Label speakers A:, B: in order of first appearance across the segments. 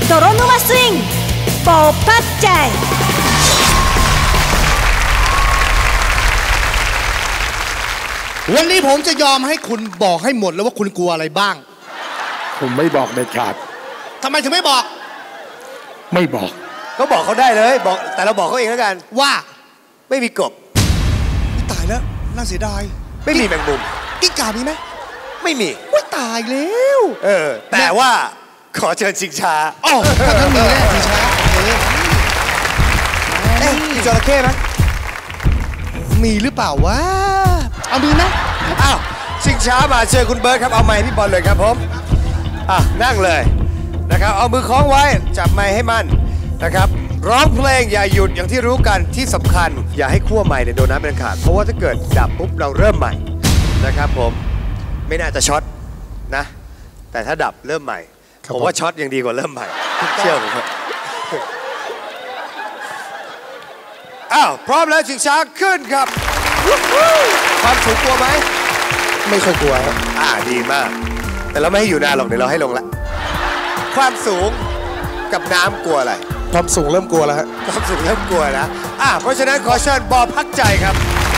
A: 泥沼スイングโปพัดใจ
B: วันนี้ผมจะยอมให้คุณบอกให้หมดแล้วว่าคุณกลัวอะไรบ้าง
C: ผมไม่บอกเด็ดขาด
B: ทำไมถึงไม่บอก
C: ไม่บอก
D: ก็บอกเขาได้เลยบอกแต่เราบอกเขาเองแล้วกัน
B: ว่า
D: ไม่มีกบ
B: ตายแล้วน่าเสียดาย
D: ไม่มีแมงมุม
B: กิ้งก่ามีไหม
D: ไม่มี
B: ตายแล้ว
D: แต่ว่าขอเชิญชิงช้า
B: อ๋อถ้ามีแน่ชิงช้า
D: มีจระเข้ไหม
B: มีหรือเปล่าวะเอามีนะ
D: อ้าวชิงช้ามาเชิญคุณเบิร์ดครับเอาไมค์พี่บอลเลยครับผมนั่งเลยนะครับเอามือคล้องไว้จับไมค์ให้มั่นนะครับร้องเพลงอย่าหยุดอย่างที่รู้กันที่สำคัญอย่าให้ขั้วไมค์โดนน้ำเป็นขาดเพราะว่าถ้าเกิดดับปุ๊บเราเริ่มใหม่นะครับผมไม่น่าจะช็อตนะแต่ถ้าดับเริ่มใหม่ผมว่าช็อตยังดีกว่าเริ่มใหม่เชื่อผมครับพร้อมแล้วชิงช้าขึ้นครับความสูงกลัวไหม
B: ไม่ค่อยกลัวครับ
D: ดีมากแต่เราไม่ให้อยู่นานหรอกเดี๋ยวเราให้ลงละความสูงกับน้ำกลัวอะไร
B: ความสูงเริ่มกลัวแล้วฮะ
D: ความสูงเริ่มกลัวนะเพราะฉะนั้นขอเชิญบอพักใจครับ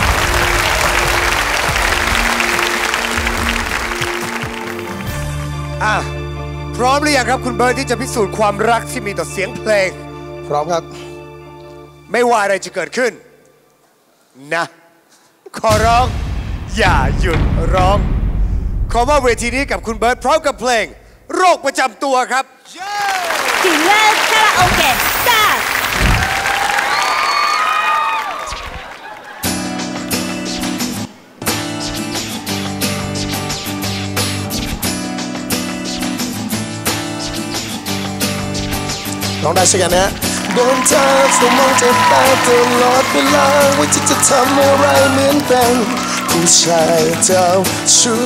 D: พร้อมหรือยังครับคุณเบิร์ดที่จะพิสูจน์ความรักที่มีต่อเสียงเพลง
B: พร้อมครับ
D: ไม่ว่าอะไรจะเกิดขึ้นนะขอร้องอย่าหยุดร้องขอว่าเวทีนี้กับคุณเบิร์ดพร้อมกับเพลงโรคประจำตัวครับ
A: ถึงแล้วคาราโอเกะสตาร์
B: ร้องได้ใช่กันนะโดนเธอสมองจะตายตลอดเวลาว่าจะทำอะไรเหมือนเป็นผู้ชายเจ้าชู้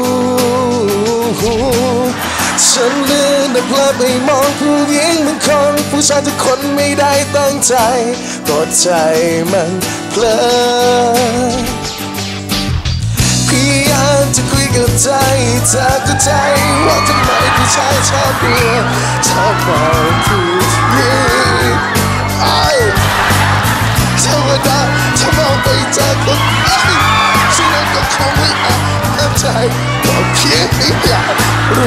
B: ฉันลืมแต่เพลิดไปมองผู้หญิงเหมือนคนผู้ชายทุกคนไม่ได้ตั้งใจก็ใจมันเพลินพยายามจะคุยกับใจเธอก็ใจว่าทำไมผู้ชายชอบเบื่อชอบมองผู้หญิงธรรมดาถ้ามองไปจากคนฉันก็คงไม่อาจน้ำใจก็เพียงไม่อยากรู้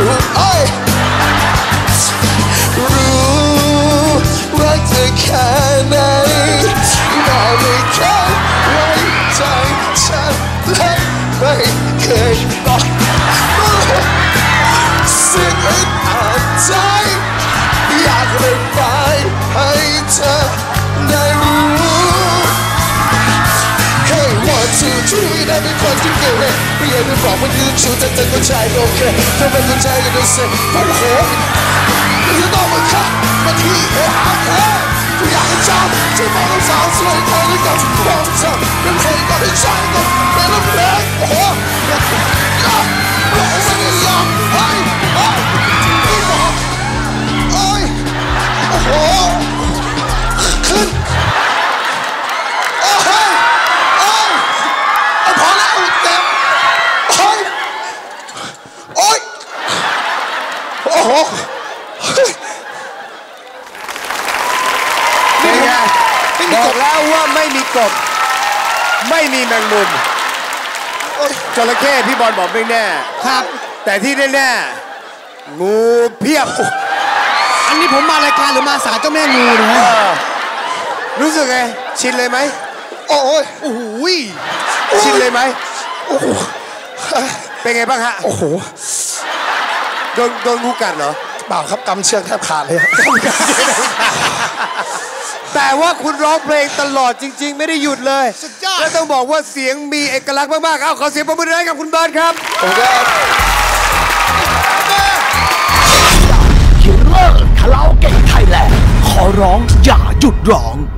B: ว่าเธอแค่ไหนแต่ไม่เคยไว้ใจฉันและไม่เคยบอกสิ่งอึดอัดใจอยากระบายให้เธอได้รู้ Hey 1 2 3ได้เป็นคนที่เก่งเลยไม่อยากจะบอกว่ายืนชูแต่เธอก็ใจโอเคเธอเป็นคนใจก็ได้เสร็จโอ้โหจะต้องมาขับมาที่กูอยากให้จำที่มองสาวสวยเธอด้วยกันความจำเป็นเพลงก็ได้ใช้ก็เป็นเพลงโอ้โหไม่ได้ยอมไม่บอกโอ้โหขึ้นพอแล้วเจ็บโอ้โห
D: บอกแล้วว่าไม่มีกบไม่มีแมงมุมจระเข้พี่บอลบอกไม่แน่
B: ครับ
D: แต่ที่แน่ๆงูเพียบ
B: อันนี้ผมมารายการหรือมาศาลเจ้าแม่งูนะ
D: รู้สึกไงชินเลยไหม
B: โอ้โห
D: ชินเลยไหม
B: โอ้โห
D: เป็นไงบ้างฮะ
B: โอ้โห
D: โดนงูกัดเหรอ
B: เปล่าครับกำเชือกแทบขาดเลย
D: แต่ว่าคุณร้องเพลงตลอดจริงๆไม่ได้หยุดเลยและต้องบอกว่าเสียงมีเอกลักษณ์มากๆขอเสียงปรบมือให้กับคุณเบิร์ดครับ
E: คิลเลอร์คาราโอเกะไทยแลนด์ขอร้องอย่าหยุดร้อง